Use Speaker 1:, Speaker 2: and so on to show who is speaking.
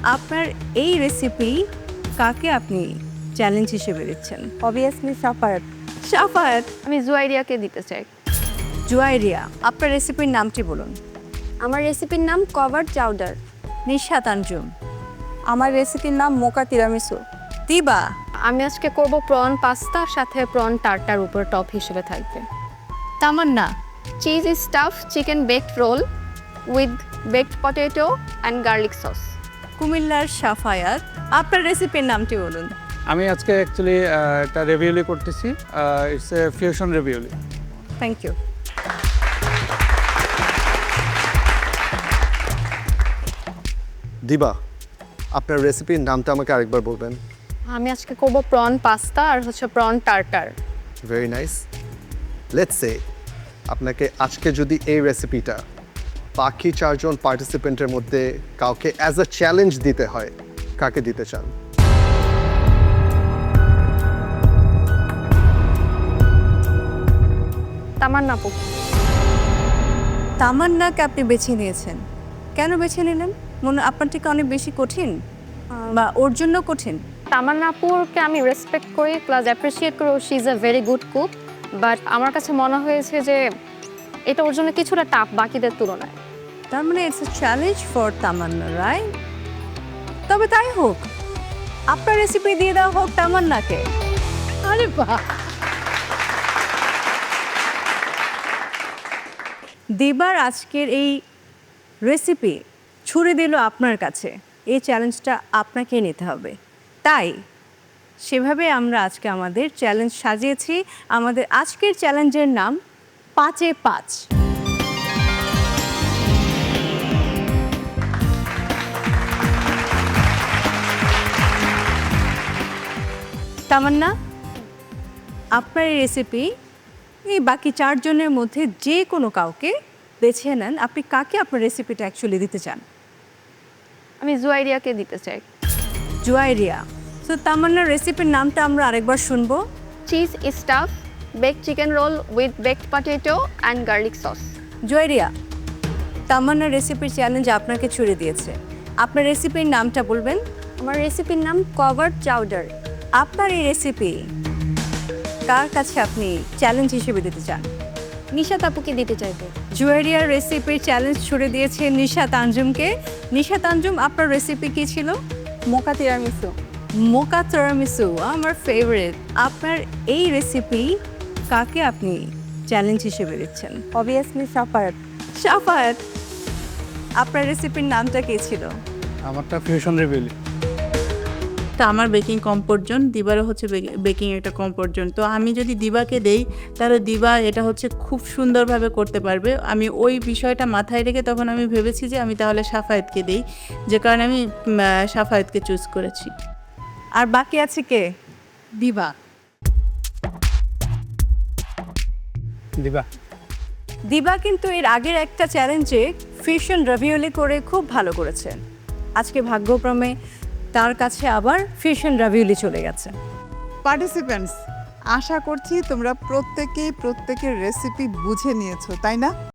Speaker 1: আপনার এই রেসিপি কাকে আপনি চ্যালেঞ্জ হিসেবে দিচ্ছেন?
Speaker 2: অবভিয়াসলি সাফায়াত।
Speaker 1: সাফায়াত।
Speaker 2: আমি জুয়াইরিয়াকে দিতে চাই।
Speaker 1: জুয়াইরিয়া, আপনার রেসিপির নামটি বলুন।
Speaker 2: আমার রেসিপির নাম কভার চাউডার।
Speaker 1: নিশাত আঞ্জুম।
Speaker 2: আমার রেসিপির নাম মোকা তিরামিসু।
Speaker 1: দিবা।
Speaker 2: আমি আজকে করব প্রন পাস্তা, সাথে প্রন টার্টার উপর টপ হিসেবে থাকবে।
Speaker 1: Tamanna.
Speaker 2: Cheese stuff chicken baked roll with baked potato and garlic sauce.
Speaker 1: কুমিল্লার সাফায়াত, আপনার রেসিপির নামটি বলুন।
Speaker 3: আমি আজকে অ্যাকচুয়ালি একটা রেভিউলি করতেছি, it's a fusion ravioli.
Speaker 1: Thank you.
Speaker 4: Diba, আপনার রেসিপির নামটা আমাকে আরেকবার বলবেন।
Speaker 2: আমি আজকে করব প্রন পাস্তা আর prawn tartar.
Speaker 4: Very nice. Let's say আপনাকে আজকে যদি এই রেসিপিটা বাকি 4 জন পার্টিসিপেন্টের মধ্যে কাউকে অ্যাজ আ চ্যালেঞ্জ দিতে হয়, কাকে দিতে চান?
Speaker 2: তামান্না আপু।
Speaker 1: তামান্নাকে আপনি বেছে নিয়েছেন, কেন বেছে নিলেন? মনে আপনার থেকে অনেক বেশি কঠিন বা ওর জন্য কঠিন?
Speaker 2: তামান্না আপুকে আমি রেসপেক্ট করি প্লাস অ্যাপ্রিসিয়েট করি, she is a very good cook, but আমার কাছে মনে হয়েছে যে এটা ওর জন্য কিছুটা টাফ বাকিদের তুলনায়।
Speaker 1: তার মানে it's a challenge for Tamanna, right? তবে তাই হোক, আপনার রেসিপি দিয়ে দেওয়া হোক তামান্নাকে। আরে বাহ! দিবার আজকের এই রেসিপি ছুড়ে দিল আপনার কাছে, এই চ্যালেঞ্জটা আপনাকে নিতে হবে। তাই সেভাবে আমরা আজকে আমাদের চ্যালেঞ্জ সাজিয়েছি। আমাদের আজকের চ্যালেঞ্জের নাম 5-এ 5। তামান্না, আপনার এই রেসিপি এই বাকি 4 জনের মধ্যে যে কোনো কাউকে বেছে নেন, আপনি কাকে আপনার রেসিপিটা অ্যাকচুয়ালি দিতে চান?
Speaker 2: আমি জুয়াইরিয়াকে দিতে চাই।
Speaker 1: জুয়াইরিয়া। তো তামান্নার রেসিপির নামটা আমরা আরেকবার শুনবো।
Speaker 2: Cheese stuff baked chicken roll with baked potato and garlic sauce.
Speaker 1: Juairiya, তামান্নার রেসিপির চ্যালেঞ্জ আপনাকে ছুড়ে দিয়েছে, আপনার রেসিপির নামটা বলবেন।
Speaker 2: আমার রেসিপির নাম কভার চাউডার।
Speaker 1: আপনার এই রেসিপি কার কাছে আপনি চ্যালেঞ্জ হিসেবে দিতে চান?
Speaker 2: নিশাত আপুকে দিতে চাইবো।
Speaker 1: জুয়েরিয়ার রেসিপির চ্যালেঞ্জ ছুড়ে দিয়েছে নিশাত আঞ্জুমকে। নিশাত আঞ্জুম, আপনার রেসিপি কি ছিল?
Speaker 2: Mocha tiramisu.
Speaker 1: মোকা তিরামিসু, আমার ফেভারিট। আপনার এই রেসিপি কাকে আপনি চ্যালেঞ্জ হিসেবে দিচ্ছেন?
Speaker 2: অবভিয়াসলি সাফায়াত।
Speaker 1: সাফায়াত, আপনার রেসিপির নামটা কি ছিল?
Speaker 3: আমারটা ফিউশন রেভিউলি।
Speaker 5: তা আমার বেকিং কমফোর্ট জোন, দিবারও হচ্ছে বেকিং একটা কমফোর্ট জোন। তো আমি যদি দিবাকে দেই তাহলে দিবা এটা হচ্ছে খুব সুন্দরভাবে করতে পারবে। আমি ওই বিষয়টা মাথায় রেখে তখন আমি ভেবেছি যে আমি তাহলে সাফায়েতকে দেই, যে কারণে আমি সাফায়েতকে চুজ করেছি।
Speaker 1: আর বাকি আছে কে?
Speaker 5: দিবা।
Speaker 3: দিবা।
Speaker 1: দিবা কিন্তু এর আগের একটা চ্যালেঞ্জে ফিউশন রাভিওলি করে খুব ভালো করেছেন। আজকে ভাগ্যক্রমে তার কাছে আবার ফিউশন রাভিওলি চলে গেছে।
Speaker 6: পার্টিসিপেন্টস, আশা করছি তোমরা প্রত্যেকের রেসিপি বুঝে নিয়েছো, তাই না?